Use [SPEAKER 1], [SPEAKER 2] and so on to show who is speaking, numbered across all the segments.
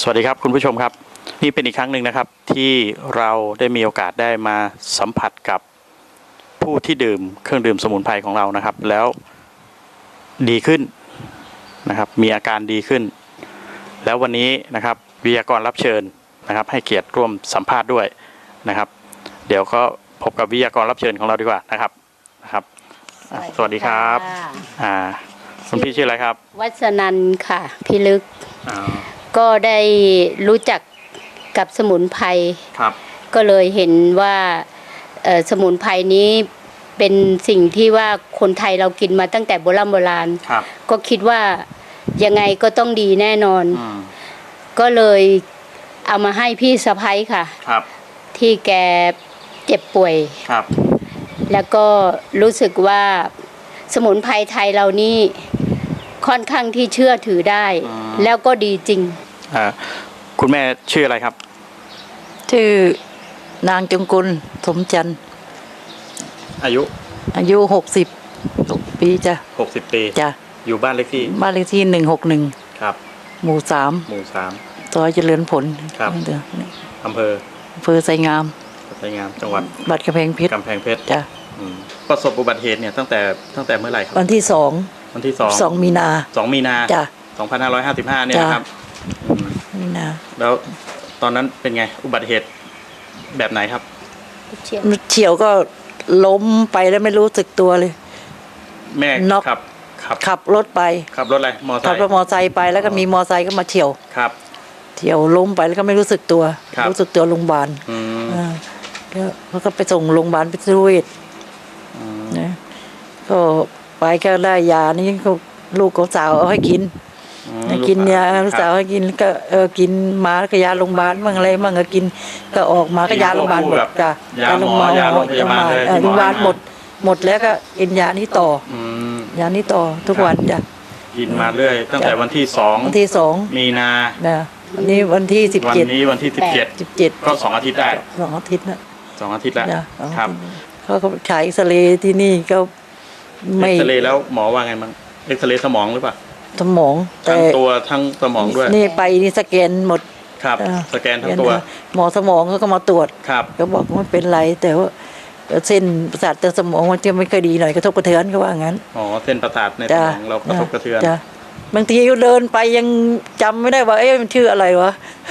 [SPEAKER 1] สวัสดีครับคุณผู้ชมครับนี่เป็นอีกครั้งหนึ่งนะครับที่เราได้มีโอกาสได้มาสัมผัสกับผู้ที่ดื่มเครื่องดื่มสมุนไพรของเรานะครับแล้วดีขึ้นนะครับมีอาการดีขึ้นแล้ววันนี้นะครับวิทยากรรับเชิญนะครับให้เกียรติร่วมสัมภาษณ์ด้วยนะครับเดี๋ยวก็พบกับวิทยากรรับเชิญของเราดีกว่านะครับสวัสดีครับคุณพี่ชื่ออะไรครับ
[SPEAKER 2] วัฒนันท์ค่ะพิลึกก็ได้รู้จักกับสมุนไพร
[SPEAKER 1] ครับ
[SPEAKER 2] ก็เลยเห็นว่าสมุนไพรนี้เป็นสิ่งที่ว่าคนไทยเรากินมาตั้งแต่โบราณก็คิดว่ายังไงก็ต้องดีแน่นอนก็เลยเอามาให้พี่สะใภ้ค่ะที่แกเจ็บป่วยแล้วก็รู้สึกว่าสมุนไพรไทยเรานี่ค่อนข้างที่เชื่อถือได้แล้วก็ดีจริง
[SPEAKER 1] คุณแม่ชื่ออะไรครับ
[SPEAKER 3] ชื่อนางจงกุลสมจันทร์
[SPEAKER 1] อายุ
[SPEAKER 3] 60 ปีจ้ะ
[SPEAKER 1] 60 ปี
[SPEAKER 3] จ้ะ
[SPEAKER 1] อยู่บ้านเลขที่
[SPEAKER 3] 161
[SPEAKER 1] ครับ
[SPEAKER 3] หมู่3ซอยเจริญผล
[SPEAKER 1] ครับอำเภอ
[SPEAKER 3] ไซงาม
[SPEAKER 1] จังหวัด
[SPEAKER 3] บัดกำแพงเพชร
[SPEAKER 1] จ้ะประสบอุบัติเหตุเนี่ยตั้งแต่เมื่อไหร่ครับ
[SPEAKER 3] วันที่2มีนาจ้ะ
[SPEAKER 1] 2555เนี่ยนะครับ
[SPEAKER 3] มีนา
[SPEAKER 1] แล้วตอนนั้นเป็นไงอุบัติเหตุแบบไหนครับ
[SPEAKER 3] เฉียวก็ล้มไปแล้วไม่รู้สึกตัวเลย
[SPEAKER 1] แม่
[SPEAKER 3] น็อกขับรถไป
[SPEAKER 1] ขับรถอะไรมอไซค์
[SPEAKER 3] ขับรถมอไซค์ไปแล้วก็มีมอไซค์ก็มาเฉียวเฉียวล้มไปแล้วก็ไม่รู้สึกตัวรู้สึกตัวโรงพยาบาลแล้วก็ไปส่งโรงพยาบาลพิษณุโลกนะก็ไปก็ได้ยานี่ก็ลูกของสาวเอาให้กินกินยาลูกสาวให้กินก็กินมาก็ยาโรงพยาบาลมั่งอะไรมั่งก็กินก็ออกมาก็ยาโรงพยาบาลหมดจ้ะ
[SPEAKER 1] ยาโรงพยาบาล
[SPEAKER 3] โรงพยาบาลหมดแล้วก็กินยานี้ต่อยานี้ต่อทุกวันจ้ะ
[SPEAKER 1] กินมาเรื่อยตั้งแต่วันที่2มีนา
[SPEAKER 3] นี่วันที่17
[SPEAKER 1] วันนี้วันที่17ก็2 อาทิตย์ได้
[SPEAKER 3] 2 อาทิตย์นะ
[SPEAKER 1] 2 อาทิตย์แล้วครับ
[SPEAKER 3] เขาฉายเอ็กซเรย์ที่นี่ก็
[SPEAKER 1] ไม่เอ็กซเรย์แล้วหมอว่าไงบ้างเอ็กซเรย์สมองหรือเปล่า
[SPEAKER 3] สมอง
[SPEAKER 1] ทั้งตัวทั้งสมองด้วย
[SPEAKER 3] นี่ไปนี่สแกนหมด
[SPEAKER 1] ครับสแกนทั้งตัว
[SPEAKER 3] หมอสมองเขาก็มาตรวจก็บอกว่าเป็นไรแต่ว่าเส้นประสาทในสมองมันจะไม่ค่อยดีหน่อยกระทบกระเทือนเขาว่างั้น
[SPEAKER 1] เส้นประสาทในสมองเรากระทบกระเทือน
[SPEAKER 3] บางทีเดินไปยังจำไม่ได้ว่ามันชื่ออะไรวะ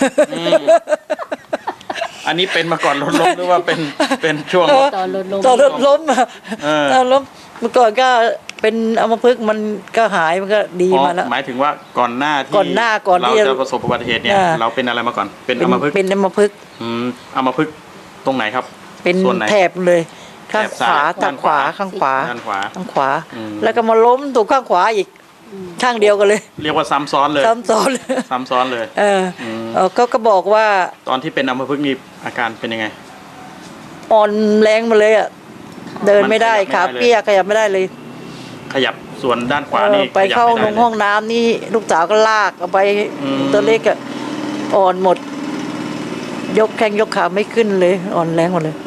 [SPEAKER 1] อันนี้เป็นมาก่อนรถล้มหรือว่าเป็นช่วง
[SPEAKER 3] ตอนรถล้มตอนรถล้มเมื่อก่อนก็เป็นอัมพฤกษ์มันก็หายมันก็ดีมาแล้ว
[SPEAKER 1] หมายถึงว่าก่อนหน้าที่เราจะประสบอุบัติเหตุเนี่ยเราเป็นอะไรมาก่อนเป็นอัมพฤกษ์
[SPEAKER 3] อัมพฤกษ์
[SPEAKER 1] อัมพฤกษ์ตรงไหนครับ
[SPEAKER 3] เป็นแถบเลยข้างขวาข้างขวาข้างขวาแล้วก็มาล้มถูกข้างขวาอีกข้างเดียวกันเลย
[SPEAKER 1] เรียกว่าซ้ำซ้อนเลย
[SPEAKER 3] ก็บอกว่า
[SPEAKER 1] ตอนที่เป็นอัมพฤกษ์นี่อาการเป็นยังไง
[SPEAKER 3] อ่อนแรงมาเลยอ่ะเดินไม่ได้ขาเปี้ยขยับไม่ได้เลย
[SPEAKER 1] ขยับส่วนด้านขวานี่
[SPEAKER 3] ไปเข้าห้องน้ำนี่ลูกสาวก็ลากเอาไปตัวเล็กอ่ะอ่อนหมดยกแข้งยกขาไม่ขึ้นเลยอ่อนแรงหมดเลย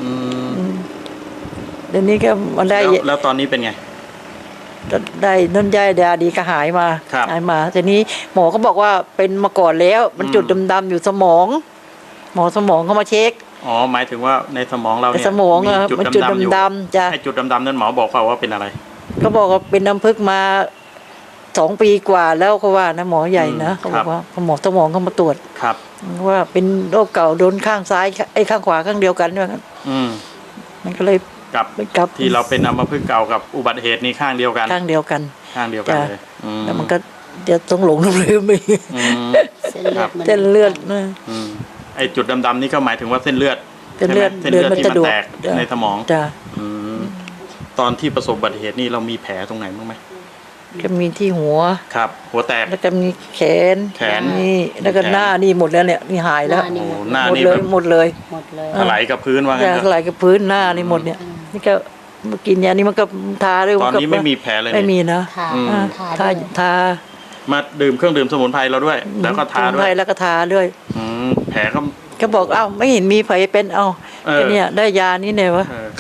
[SPEAKER 3] เดี๋ยวนี้ก็มันได้
[SPEAKER 1] แล้วตอนนี้เป็นไง
[SPEAKER 3] ได้น้ำยาดีก็หายมาทีนี้หมอก็บอกว่าเป็นมาก่อนแล้วมันจุดดำๆอยู่สมองหมอสมองเขามาเช็ค
[SPEAKER 1] หมายถึงว่าในสมองเราเนี่ย
[SPEAKER 3] สมองมันจุดดำๆ
[SPEAKER 1] จะให้จุดดำๆนั้นหมอบอกว่าเป็นอะไร
[SPEAKER 3] ก็บอกว่าเป็นอัมพฤกษ์มา2 ปีกว่าแล้วเขาว่านะหมอใหญ่นะเขาบอกว่าหมอสมองเขามาตรวจว่าเป็นโรคเก่าโดนข้างซ้ายข้างขวาข้างเดียวกันด้วยกันมันก็เลย
[SPEAKER 1] กับที่เราเป็นอัมพฤกษ์เก่ากับอุบัติเหตุนี้ข้างเดียวกันเลย
[SPEAKER 3] แล้วมันก็จะต้องหลงลืมไปเส้นเลือด
[SPEAKER 1] ไอ้จุดดำๆนี่ก็หมายถึงว่าเส้นเลือด
[SPEAKER 3] มัน
[SPEAKER 1] ที่มันแตกในสมอง
[SPEAKER 3] จ้ะ
[SPEAKER 1] ตอนที่ประสบอุบัติเหตุนี่เรามีแผลตรงไหนบ้างไหม
[SPEAKER 3] ก็มีที่หัว
[SPEAKER 1] หัวแตก
[SPEAKER 3] แล้วก็มีแขนนี่แล้วก็หน้านี่หมดแล้วเนี่ยนี่หายแล้ว
[SPEAKER 1] หน้านี่
[SPEAKER 3] หมดเลย
[SPEAKER 1] ไหลกับพื้นว่าไง
[SPEAKER 3] ไหลกับพื้นหน้านี่หมดเนี่ยนี่ก็มากินยานี่มันก็ทาด้วย
[SPEAKER 1] ตอนนี้ไม่มีแผลเลย
[SPEAKER 3] ไม่มีนะทา
[SPEAKER 1] มาดื่มเครื่องดื่มสมุนไพรเราด้วยแล้วก็ทาด้วย
[SPEAKER 3] แล้วก็ทาด้วย
[SPEAKER 1] แผล
[SPEAKER 3] ก็บอกไม่เห็นมีแผลเป็นเนี่ยได้ยานี่เนี่ยวะ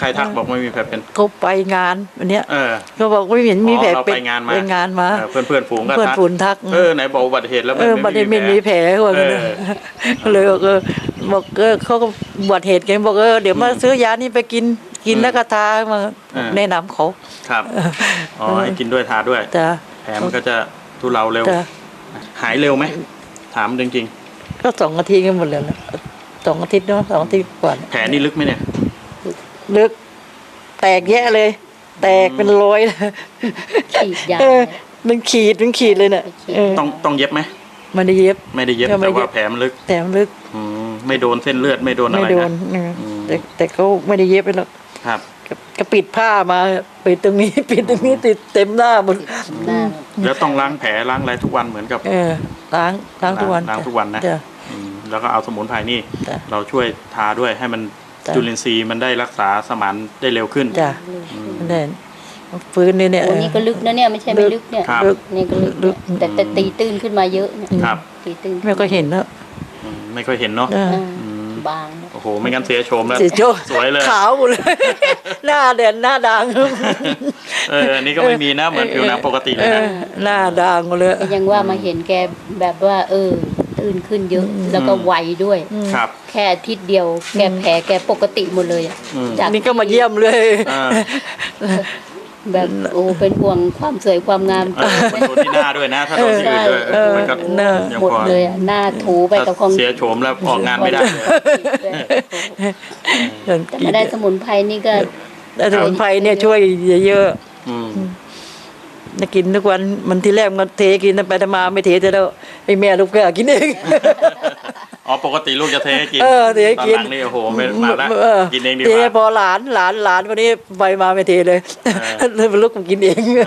[SPEAKER 1] ใครทักบอกไม่มีแผลเป็น
[SPEAKER 3] เขาไปงานวันเนี้ย
[SPEAKER 1] เออ
[SPEAKER 3] เขาบอกไม่เห็นมีแผล
[SPEAKER 1] เรา
[SPEAKER 3] เป็น
[SPEAKER 1] ไปงานมา
[SPEAKER 3] ไปงานมา
[SPEAKER 1] เพื่อนฝูงก็
[SPEAKER 3] เพื่อน
[SPEAKER 1] ทัก
[SPEAKER 3] ฝูงทัก
[SPEAKER 1] ไหนบอกอุบัติเหตุแล้ว
[SPEAKER 3] บัดนี้ไม่มีแผลเขาบอก
[SPEAKER 1] เออ
[SPEAKER 3] ก็เลยบอกเขาก็อุบัติเหตุกันบอกเดี๋ยวมาซื้อยานี่ไปกินแล้วก็ทามาแนะนำเขา
[SPEAKER 1] ครับอ๋อให้กินด้วยทาด้วย
[SPEAKER 3] จ้ะ
[SPEAKER 1] แผลมันก็จะทุเลาเร็ว
[SPEAKER 3] จ้ะ
[SPEAKER 1] หายเร็วไหมถามจริง
[SPEAKER 3] ก็2 อาทิตย์กันหมดแล้วนะ2 อาทิตย์เนาะ2 อาทิตย์กว่า
[SPEAKER 1] ๆแผลนี่ลึกไหมเนี่ย
[SPEAKER 3] ลึกแตกแยะเลย แตกเป็นรอยเลย
[SPEAKER 2] ฉีดยา
[SPEAKER 3] มันขีดเลยเนี่ย
[SPEAKER 1] ต้องเย็บไหม
[SPEAKER 3] มันได้เย็บ
[SPEAKER 1] ไม่ได้เย็บ
[SPEAKER 3] ก็ไม่
[SPEAKER 1] แต่
[SPEAKER 3] เย็
[SPEAKER 1] ว่า
[SPEAKER 3] บ
[SPEAKER 1] แผลมันลึก
[SPEAKER 3] แต่มันลึก
[SPEAKER 1] ไม่โดนเส้นเลือดไม่โดนอะไร
[SPEAKER 3] ไม่โดน
[SPEAKER 1] นะ
[SPEAKER 3] แต่เขาไม่ได้เย็บไปหรอก
[SPEAKER 1] ครับ
[SPEAKER 3] ก็ปิดผ้ามาปิดตรงนี้ ปิดตรงนี้ติดเต็มหน้าหมด
[SPEAKER 2] หน้า
[SPEAKER 1] แล้วต้องล้างแผลล้างอะไรทุกวันเหมือนกับ
[SPEAKER 3] ล้างทุกวัน
[SPEAKER 1] ล้างทุกวันนะ
[SPEAKER 3] จ้ะ
[SPEAKER 1] แล้วก็เอาสมุนไพรนี่
[SPEAKER 3] จ้ะ
[SPEAKER 1] เราช่วยทาด้วยให้มัน
[SPEAKER 3] จ้ะ
[SPEAKER 1] จุลินทรีย์มันได้รักษาสมานได้เร็วขึ้น
[SPEAKER 3] จ้ะนั่นฟื้นเนี่ย
[SPEAKER 2] โอ้นี่ก็ลึกนะเนี่ยไม่ใช่ไม่ลึกเนี่ย
[SPEAKER 1] ครับ
[SPEAKER 2] นี่ก็ลึกเนี่ยแต่ตีตื้นขึ้นมาเยอะเนี่ย
[SPEAKER 1] ครับ
[SPEAKER 2] ตีตื้น
[SPEAKER 3] ไม่ก็เห็นแล้ว
[SPEAKER 1] ไม่ค่อยเห็นเนาะ
[SPEAKER 3] เออ
[SPEAKER 2] บาง
[SPEAKER 1] โอ้โหไม่งั้นเสียโฉมแล้ว
[SPEAKER 3] เสียโจ้
[SPEAKER 1] สวยเลย
[SPEAKER 3] ขาวหมดเลย หน้าแดงหน้าด่าง
[SPEAKER 1] อันนี้ก็ไม่มีนะเหมือนผิวหนังปกติเลยนะ
[SPEAKER 3] หน้าด่างหมดเลย
[SPEAKER 2] ยังว่ามาเห็นแกแบบว่า ตื้นขึ้นเยอะ แล้วก็ไวด้วย
[SPEAKER 1] ครับ
[SPEAKER 2] แค่อาทิตย์เดียวแกแผลแกปกติหมดเลยอะ จาก
[SPEAKER 3] นี่ก็มาเยี่ยมเลย
[SPEAKER 1] อ่า
[SPEAKER 2] แบบเป็นห่วงความสวยความงาม
[SPEAKER 1] มันโดนที่หน้าด้วยนะ ถ้าโดนที่อื่นด้วยมันก็ยัง
[SPEAKER 2] หมด
[SPEAKER 1] พอ
[SPEAKER 2] เลยอะหน้าถูไปกับของ
[SPEAKER 1] เสียโฉมแล้วออกงานไม่ได้เลย
[SPEAKER 2] แต่มาได้สมุนไพรนี่ก็
[SPEAKER 3] แต่สมุนไพรเนี่ยช่วยเยอะ
[SPEAKER 1] อืม
[SPEAKER 3] ๆนะกินทุกวันมันทีแรกมันเทกินไปทมาไม่เทจะแล้วไอ้แม่ลูกก็กินเอง
[SPEAKER 1] อ๋อปกติลูกจะเทให้กิน
[SPEAKER 3] เทให้กิน
[SPEAKER 1] ตอนหลังนี่โอ้โหไม่มาแล้วกินเองดีก
[SPEAKER 3] ที
[SPEAKER 1] ว่า
[SPEAKER 3] นี้พอหลานวันนี้ไปมาไม่เทเลยเลยเป็นลูกผมกินเอง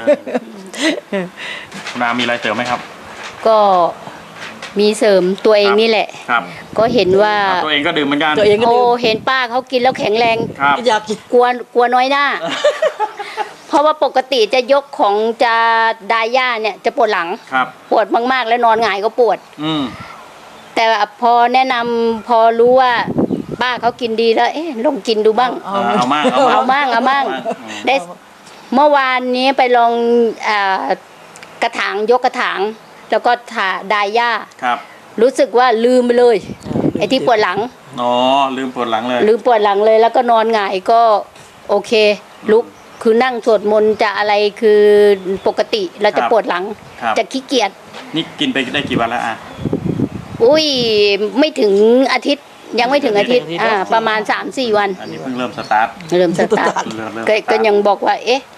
[SPEAKER 1] คุณอามีอะไรเสริมไหมครับ
[SPEAKER 2] ก็มีเสริมตัวเองนี่แหละ
[SPEAKER 1] ครับ
[SPEAKER 2] ก็เห็นว่า
[SPEAKER 1] ตัวเองก็ดื่มเหมือนกัน
[SPEAKER 3] ตัวเองก็ดื่ม
[SPEAKER 2] เห็นป้าเขากินแล้วแข็งแรง
[SPEAKER 1] ครับ
[SPEAKER 3] อยากกิน
[SPEAKER 2] กลัวน้อยหน้า เพราะว่าปกติจะยกของจะดาย่าเนี่ยจะปวดหลัง
[SPEAKER 1] ครับ
[SPEAKER 2] ปวดมากๆ แล้วนอนหงายก็ปวด
[SPEAKER 1] อืม
[SPEAKER 2] แต่พอแนะนำพอรู้ว่าป้าเขากินดีแล้วลองกินดูบ้าง
[SPEAKER 1] เอามาก
[SPEAKER 2] เอามั่งได้เมื่อวานนี้ไปลองกระถางยกกระถาง แล้วก็ถาดาย่า
[SPEAKER 1] ครับ
[SPEAKER 2] รู้สึกว่าลืมไปเลยไอ้ที่ปวดหลัง
[SPEAKER 1] อ๋อลืมปวดหลังเลย
[SPEAKER 2] ลืมปวดหลังเลยแล้วก็นอนหงายก็โอเค ลุกคือนั่งสวดมนต์จะอะไรคือปกติเราจะปวดหลัง
[SPEAKER 1] ครับ
[SPEAKER 2] จะขี้เกียจ
[SPEAKER 1] นี่กินไปได้กี่วันแล้วอ่ะ
[SPEAKER 2] อุ้ยไม่ถึงอาทิตย์ยังไม่ถึงอาทิตย์ประมาณ 3-4 วัน
[SPEAKER 1] อันนี้เพิ่งเริ่มสตาร์ท
[SPEAKER 2] เริ่มสตาร์ท
[SPEAKER 1] เริ่ม
[SPEAKER 2] ก็ยังบอกว่า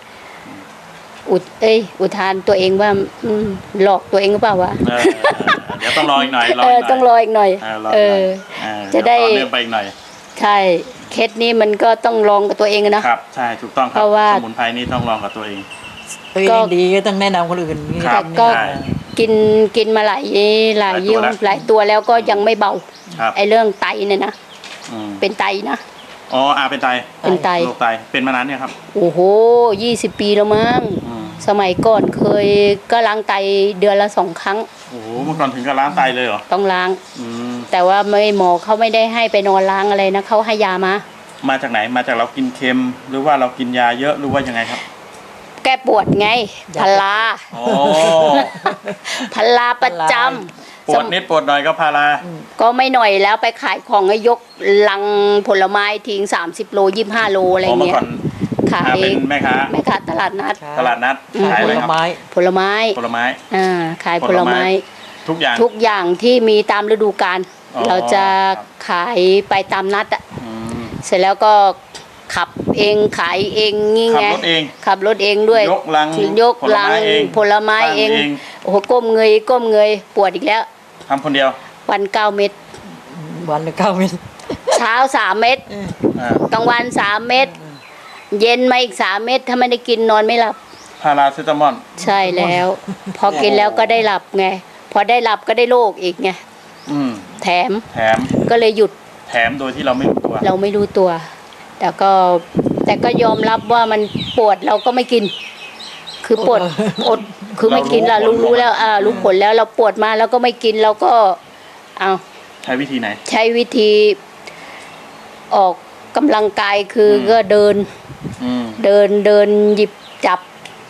[SPEAKER 2] อุทานตัวเองว่าหลอกตัวเองหรือเปล่าวะ
[SPEAKER 1] เดี๋ยวต้องรออีกหน่อย
[SPEAKER 2] ต้องรออีกหน่อย จะได้
[SPEAKER 1] เริ่มไปอีกหน่อย
[SPEAKER 2] ใช่เคสนี้มันก็ต้องลองกับตัวเองนะครับ
[SPEAKER 1] ใช่ถูกต้องค
[SPEAKER 2] เพ
[SPEAKER 1] รับ
[SPEAKER 2] ราะว่า
[SPEAKER 1] สมุนไพรนี่ต้องลองกับตัวเอง
[SPEAKER 3] ตัวเองดีก็ต้องแนะนำคนอื่น
[SPEAKER 1] ครับ
[SPEAKER 2] ก็
[SPEAKER 1] ใช่
[SPEAKER 2] กินมาหลายยี่ห้อหลายตัวแล้วก็ยังไม่เบา
[SPEAKER 1] ครับ
[SPEAKER 2] ไอ้เรื่องไตเนี่ยนะ
[SPEAKER 1] อืม
[SPEAKER 2] เป็นไตนะ
[SPEAKER 1] อ๋อเป็นไต
[SPEAKER 2] เป็นไต
[SPEAKER 1] โรคไตเป็นมานานเนี่ยครับ
[SPEAKER 2] โอ้โห20 ปีแล้วมั้ง
[SPEAKER 1] อืม
[SPEAKER 2] สมัยก่อนเคยก็ล้างไตเดือนละ2 ครั้ง
[SPEAKER 1] โอ้โหเมื่อก่อนถึงกับล้างไตเลยเหรอ
[SPEAKER 2] ต้องล้าง
[SPEAKER 1] อืม
[SPEAKER 2] แต่ว่าหมอเขาไม่ได้ให้ไปนอนล้างอะไรนะเขาให้ยามา
[SPEAKER 1] มาจากไหนมาจากเรากินเค็ม หรือว่าเรากินยาเยอะหรือว่ายังไงครับ
[SPEAKER 2] แก้ปวดไงพลา
[SPEAKER 1] อ๋อ
[SPEAKER 2] พลาประจ
[SPEAKER 1] ปวดนิดปวดหน่อยก็พารา
[SPEAKER 2] ำก็ไม่หน่อยแล้วไปขายของให้ยกลังผลไม้ทิ้ง30 โล 25 โลอะไร
[SPEAKER 1] เมื่อ
[SPEAKER 2] เงี้ย
[SPEAKER 1] ก่อน
[SPEAKER 2] ขาย
[SPEAKER 1] เป็นแม่ค้า
[SPEAKER 2] แม่ค้าตลาดนัด
[SPEAKER 1] ตลาดนัดขาย
[SPEAKER 3] ผ
[SPEAKER 1] อะไร
[SPEAKER 3] ล
[SPEAKER 1] ครับ
[SPEAKER 3] ไม้
[SPEAKER 2] ผลไม้
[SPEAKER 1] ผลไม้
[SPEAKER 2] ขายผลไม้
[SPEAKER 1] ทุกอย่าง
[SPEAKER 2] ทุกอย่างที่มีตามฤดูกาล
[SPEAKER 1] อ๋อ
[SPEAKER 2] เราจะ
[SPEAKER 1] ครับ
[SPEAKER 2] ขายไปตามนัดอ่ะ
[SPEAKER 1] อืม
[SPEAKER 2] เสร็จแล้วก็ขับเองขายเองงี้
[SPEAKER 1] ขับ
[SPEAKER 2] ไง
[SPEAKER 1] รถเอง
[SPEAKER 2] ขับรถเองด้วย
[SPEAKER 1] ยกลัง
[SPEAKER 2] ยกลังผลไม้เอง
[SPEAKER 1] ตั้
[SPEAKER 2] โอ้โหก้มเงยปวดอีกแล้ว
[SPEAKER 1] ทำคนเดียว
[SPEAKER 2] วัน9 เม็ด
[SPEAKER 3] วันละ9 เม็ด
[SPEAKER 2] เช้า3 เม็ด
[SPEAKER 1] อ่าก
[SPEAKER 2] ลางวัน3 เม็ดเย็นมาอีก3 เม็ดถ้าไม่ได้กินนอนไม่หลับ
[SPEAKER 1] พาราเซตามอล
[SPEAKER 2] ใช่แล้ว พอกินแล้วก็ได้หลับไงพอได้หลับก็ได้โรคอีกไง
[SPEAKER 1] อืม
[SPEAKER 2] แถม
[SPEAKER 1] แถม
[SPEAKER 2] ก็เลยหยุด
[SPEAKER 1] แถมโดยที่เราไม่รู้ตัว
[SPEAKER 2] เราไม่รู้ตัว แต่ก็ยอมรับว่ามันปวดเราก็ไม่กิน คือปวดอดคือไม่กินเรารู้แล้วรู้ผลแล้วเราปวดมาแล้วก็ไม่กินเราก็เอา
[SPEAKER 1] ใช้วิธีไหน
[SPEAKER 2] ใช้วิธีออกกำลังกายคือก็เดิน เดินหยิบจับ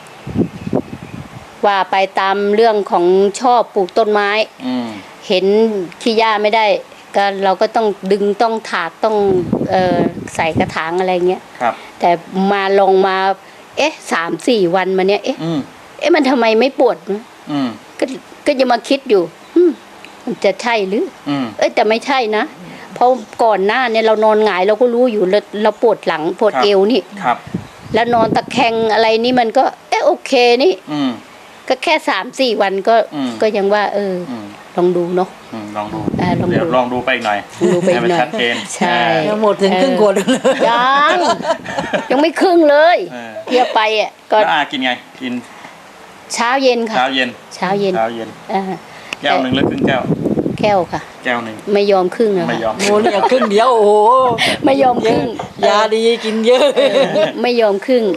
[SPEAKER 2] ว่าไปตามเรื่องของชอบปลูกต้นไม้ เห็นขี้หญ้าไม่ได้ ก็เราก็ต้องดึงต้องถากต้องใส่กระถางอะไรเงี้ย
[SPEAKER 1] ครับ
[SPEAKER 2] แต่มาลงมา 3-4 วันมาเนี้ยมันทำไมไม่ปวดนะก็จะมาคิดอยู่มันจะใช่หรือแต่ไม่ใช่นะเพราะก่อนหน้าเนี่ยเรานอนหงายเราก็รู้อยู่เราปวดหลังปวดเอวนี่แล้วนอนตะแคงอะไรนี่มันก็โอเคนี่ก็แค่3-4 วันก็ยังว่าลองดูเนาะ
[SPEAKER 1] ลองดูเดี๋ยวลองดูไปอีกหน่อย
[SPEAKER 2] ดูไปอีกหน่อย
[SPEAKER 1] ชัดเจน
[SPEAKER 2] ใช่
[SPEAKER 3] หมดถึงครึ่งขวดเลย
[SPEAKER 2] ยังไม่ครึ่งเลยเที่ยวไปก็
[SPEAKER 1] แล้วกินไงกิน
[SPEAKER 2] เช้าเย็นค่ะ
[SPEAKER 1] เช้าเย็นแก้วหนึ่งหรือครึ่งแก้ว
[SPEAKER 2] แก้วค่ะ
[SPEAKER 1] แก้วหนึ่ง
[SPEAKER 2] ไม่ยอมครึ่งอะ
[SPEAKER 1] ไม่ยอม
[SPEAKER 3] โอ้เนี่ยครึ่งเดียวโอ้โห
[SPEAKER 2] ไม่ยอมครึ่ง
[SPEAKER 3] ยาดีกินเยอะ
[SPEAKER 2] ไม่ยอมครึ่ง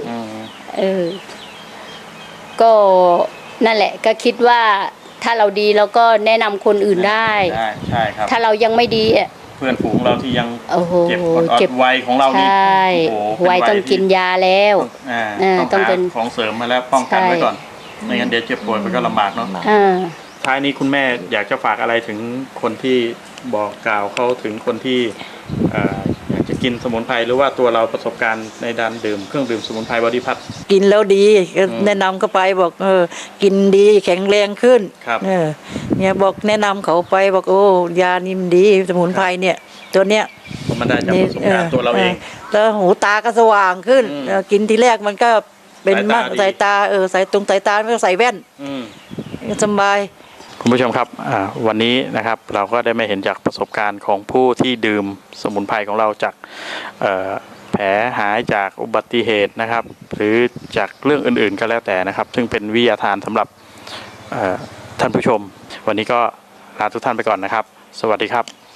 [SPEAKER 2] ก็นั่นแหละก็คิดว่าถ้าเราดีเราก็แนะนำคนอื่นได้
[SPEAKER 1] ใช่ครับ
[SPEAKER 2] ถ้าเรายังไม่ดี
[SPEAKER 1] เพื่อนฝูงเราที่ยังเจ็บวัยของเรา
[SPEAKER 2] นี่ใช่วัยต้องกินยาแล้ว
[SPEAKER 1] ต้องเป็นของเสริมมาแล้วป้องกันไว้ก่อนไม่งั้นเดี๋ยวเจ็บป่วยมันก็ลำบากเนาะท้ายนี้คุณแม่อยากจะฝากอะไรถึงคนที่บอกกล่าวเขาถึงคนที่อยากจะกินสมุนไพรหรือว่าตัวเราประสบการณ์ในด้านดื่มเครื่องดื่มสมุนไพรบอดี้พัท
[SPEAKER 3] กินแล้วดีแนะนำเขาไปบอกกินดีแข็งแรงขึ้นเนี่ยบอกแนะนำเขาไปบอกโอ้ยานิ่มดีสมุนไพรเนี่ยตัวเนี้ย
[SPEAKER 1] มันได้จากประสบการณ์ตัวเราเอง
[SPEAKER 3] แล้วหูตาก็สว่างขึ้นกินทีแรกมันก็เป็นมากสายตาสายตาไม่ต้องใส่แว่นสบาย
[SPEAKER 1] คุณผู้ชมครับวันนี้นะครับเราก็ได้มาเห็นจากประสบการณ์ของผู้ที่ดื่มสมุนไพรของเราจากแผลหายจากอุบัติเหตุนะครับหรือจากเรื่องอื่นๆก็แล้วแต่นะครับซึ่งเป็นวิทยาทานสำหรับท่านผู้ชมวันนี้ก็ลาทุกท่านไปก่อนนะครับสวัสดีครับ